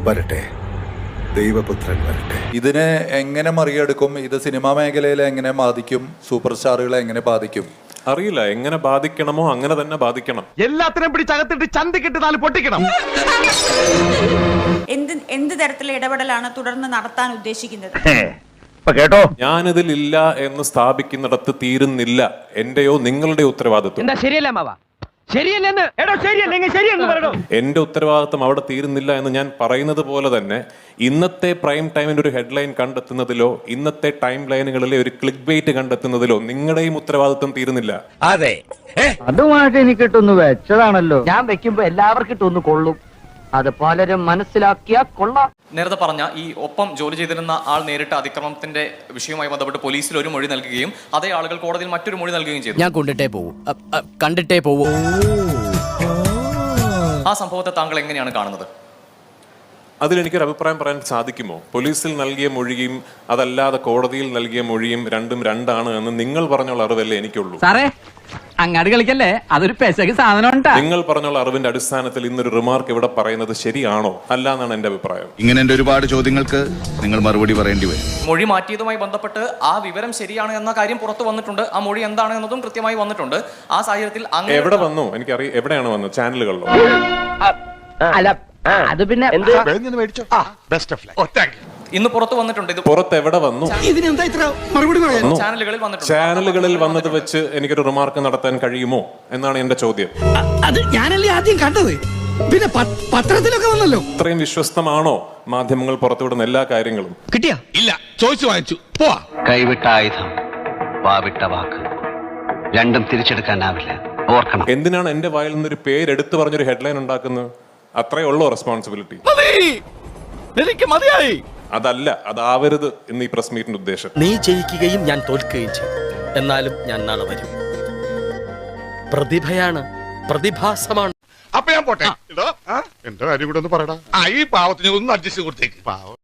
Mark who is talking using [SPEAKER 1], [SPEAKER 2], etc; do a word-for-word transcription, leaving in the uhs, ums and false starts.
[SPEAKER 1] വരട്ടെ, ദൈവപുത്രൻ വരട്ടെ.
[SPEAKER 2] ഇതിനെ എങ്ങനെ മറികടക്കും? ഇത് സിനിമാ മേഖലയിലെ എങ്ങനെ ബാധിക്കും? സൂപ്പർ സ്റ്റാറുകളെ എങ്ങനെ ബാധിക്കും?
[SPEAKER 3] അറിയില്ല. എങ്ങനെ ബാധിക്കണമോ അങ്ങനെ തന്നെ ബാധിക്കണം.
[SPEAKER 4] എല്ലാത്തിനും പിടിച്ചകത്തിട്ട് ചന്തിക്കിട്ട് നാല് പൊട്ടിക്കണം.
[SPEAKER 5] എന്ത് എന്ത് തരത്തിലുള്ള ഇടപെടലാണ് തുടർന്ന് നടത്താൻ ഉദ്ദേശിക്കുന്നത്?
[SPEAKER 4] കേട്ടോ,
[SPEAKER 3] ഞാനിതിൽ ഇല്ല എന്ന് സ്ഥാപിക്കുന്നിടത്ത് തീരുന്നില്ല എന്റെയോ നിങ്ങളുടെ ഉത്തരവാദിത്വം.
[SPEAKER 4] എന്താ ശരിയല്ല മാവ? ശരിയല്ലെന്ന് എടോ, ശരിയല്ലെങ്കിൽ ശരിയെന്ന് പറയണോ?
[SPEAKER 3] എന്റെ ഉത്തരവാദിത്വം അവിടെ തീരുന്നില്ല എന്ന് ഞാൻ പറയുന്നത് പോലെ തന്നെ ഇന്നത്തെ പ്രൈം ടൈമിന്റെ ഒരു ഹെഡ്ലൈൻ കണ്ടെത്തുന്നതിലോ ഇന്നത്തെ ടൈം ലൈനുകളിലെ ഒരു ക്ലിക്ക് ബെയ്റ്റ് കണ്ടെത്തുന്നതിലോ നിങ്ങളുടെയും ഉത്തരവാദിത്വം തീരുന്നില്ല.
[SPEAKER 6] അതെ,
[SPEAKER 7] അതുമായിട്ട് എനിക്കിട്ടൊന്ന് വെച്ചതാണല്ലോ. ഞാൻ വെക്കുമ്പോ എല്ലാവർക്കും ഇട്ടൊന്ന് കൊള്ളും. അത് പലരും മനസ്സിലാക്കിയാ കൊള്ളാം.
[SPEAKER 8] നേരത്തെ പറഞ്ഞ ഈ ഒപ്പം ജോലി ചെയ്തിരുന്ന ആൾ നേരിട്ട അതിക്രമത്തിന്റെ വിഷയവുമായി ബന്ധപ്പെട്ട് പോലീസിൽ ഒരു മൊഴി നൽകുകയും അതേ ആളുകൾ കോടതിയിൽ മറ്റൊരു മൊഴി നൽകുകയും ചെയ്തു.
[SPEAKER 6] ഞാൻ കൊണ്ടിട്ടേ പോവും, കണ്ടിട്ടേ പോവൂ.
[SPEAKER 8] ആ സംഭവത്തെ താങ്കൾ എങ്ങനെയാണ് കാണുന്നത്?
[SPEAKER 3] അതിലെനിക്കൊരു അഭിപ്രായം പറയാൻ സാധിക്കുമോ? പോലീസിൽ നൽകിയ മൊഴിയും അതല്ലാതെ കോടതിയിൽ നൽകിയ മൊഴിയും രണ്ടും രണ്ടാണ് എന്ന് നിങ്ങൾ പറഞ്ഞുള്ള അറിവല്ലേ എനിക്കുള്ളൂ.
[SPEAKER 7] സാറേ, അങ്ങാട് കളിക്കല്ലേ, അതൊരു പെശക് സാധനം.
[SPEAKER 3] നിങ്ങൾ പറഞ്ഞുള്ള അറിവിന്റെ അടിസ്ഥാനത്തിൽ ഇന്നൊരു റിമാർക്ക് ഇവിടെ പറയുന്നത് ശരിയാണോ അല്ല എന്നാണ് എന്റെ അഭിപ്രായം.
[SPEAKER 1] ഇങ്ങനെ എന്റെ ഒരുപാട് ചോദ്യങ്ങൾക്ക് നിങ്ങൾ മറുപടി പറയേണ്ടി വരും.
[SPEAKER 8] മൊഴി മാറ്റിയതുമായി ബന്ധപ്പെട്ട് ആ വിവരം ശരിയാണ് എന്ന കാര്യം പുറത്തു വന്നിട്ടുണ്ട്. ആ മൊഴി എന്താണ് എന്നതും കൃത്യമായി വന്നിട്ടുണ്ട്. ആ സാഹചര്യത്തിൽ
[SPEAKER 3] എവിടെ വന്നു എനിക്കറിയാം. എവിടെയാണ് വന്നത്? ചാനലുകളിലോ?
[SPEAKER 7] അല്ല, അത് പിന്നെ
[SPEAKER 8] ഇന്ന് പുറത്തു വന്നിട്ടുണ്ട്. ഇത്
[SPEAKER 3] പുറത്ത് എവിടെ വന്നു?
[SPEAKER 8] ചാനലുകളിൽ വന്നിട്ടുണ്ട്.
[SPEAKER 3] ചാനലുകളിൽ വന്നത് വെച്ച് എനിക്കൊരു റിമാർക്ക് നടത്താൻ കഴിയുമോ എന്നാണ് എന്റെ ചോദ്യം.
[SPEAKER 6] അത് ഞാനല്ലേ ആദ്യം കണ്ടത്, പിന്നെ പത്രത്തിലൊക്കെ വന്നല്ലോ.
[SPEAKER 3] ഇത്രയും വിശ്വസ്തമാണോ മാധ്യമങ്ങൾ പുറത്തുവിടുന്ന എല്ലാ കാര്യങ്ങളും?
[SPEAKER 6] കിട്ടിയാ ഇല്ല, ചോദിച്ചു വാങ്ങിച്ചു പോവാ.
[SPEAKER 9] കൈവിട്ട ആയുധം, വാവിട്ട വാക്ക്, രണ്ടും തിരിച്ചെടുക്കാനാവില്ല, ഓർക്കണം.
[SPEAKER 3] എന്തിനാണ് എന്റെ വായിൽ നിന്നൊരു പേരെടുത്ത് പറഞ്ഞൊരു ഹെഡ്ലൈൻ ഉണ്ടാക്കുന്നത്? അത്രേ ഉള്ളൂ റെസ്പോൺസിബിലിറ്റി.
[SPEAKER 4] എനിക്ക് മതിയായി.
[SPEAKER 3] അതല്ല, അതാവരുത് എന്ന് ഈ പ്രസ് മീറ്റിന്റെ ഉദ്ദേശം.
[SPEAKER 6] നീ ജയിക്കുകയും ഞാൻ തോൽക്കുകയും ചെയ്യും. എന്നാലും ഞാൻ നാളെ വരും. പ്രതിഭയാണ്, പ്രതിഭാസമാണ്.
[SPEAKER 4] അപ്പൊ ഞാൻ പോട്ടെ. എന്റെ കാര്യം കൂടെ ഒന്ന് പറയടാ. ഈ പാവത്തിന് ഒന്ന് അഡ്ജസ്റ്റ് കൊടുത്തേക്ക്. പാവം.